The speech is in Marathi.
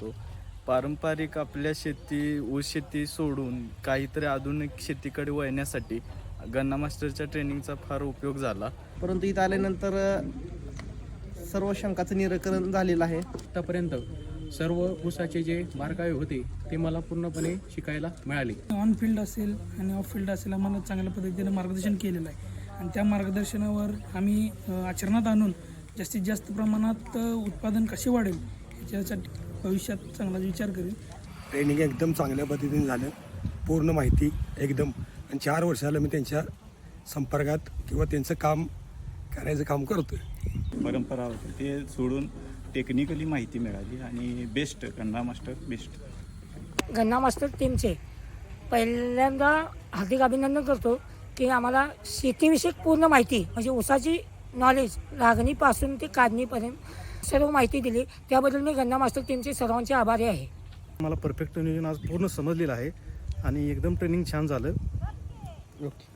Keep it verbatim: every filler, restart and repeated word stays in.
होतो. पारंपरिक आपल्या शेती ऊस शेती सोडून काहीतरी आधुनिक शेतीकडे वळण्यासाठी गन्ना मास्टरच्या ट्रेनिंगचा फार उपयोग झाला. परंतु इथं आल्यानंतर सर्व शंकाचं निराकरण झालेलं आहे. आतापर्यंत सर्व ऊसाचे जे बारकावे होते ते मला पूर्णपणे शिकायला मिळाले. ऑन फील्ड असेल आणि ऑफ फील्ड असेल आम्हाला चांगल्या पद्धतीने मार्गदर्शन केलेलं आहे आणि त्या मार्गदर्शनावर आम्ही आचरणात आणून जास्तीत जास्त प्रमाणात उत्पादन कसे वाढेल याच्यासाठी भविष्यात चांगला विचार करेल. ट्रेनिंग एकदम चांगल्या पद्धतीने झालं, पूर्ण माहिती एकदम, आणि चार वर्षाला मी त्यांच्या संपर्कात किंवा त्यांचं काम करायचं काम करतो आहे. परंपरा होती ते सोडून टेक्निकली माहिती मिळाली आणि बेस्ट गन्ना मास्टर बेस्ट. गन्ना मास्टर टीमचे पहिल्यांदा हार्दिक अभिनंदन करतो की आम्हाला शेतीविषयक पूर्ण माहिती म्हणजे ऊसाची नॉलेज लागणीपासून ते काढणीपर्यंत सर्व माहिती दिली. त्याबद्दल मी गन्ना मास्टर टीमचे सर्वांचे आभारी आहे. मला परफेक्ट नियोजन आज पूर्ण समजलेलं आहे आणि एकदम ट्रेनिंग छान झालं. ओके.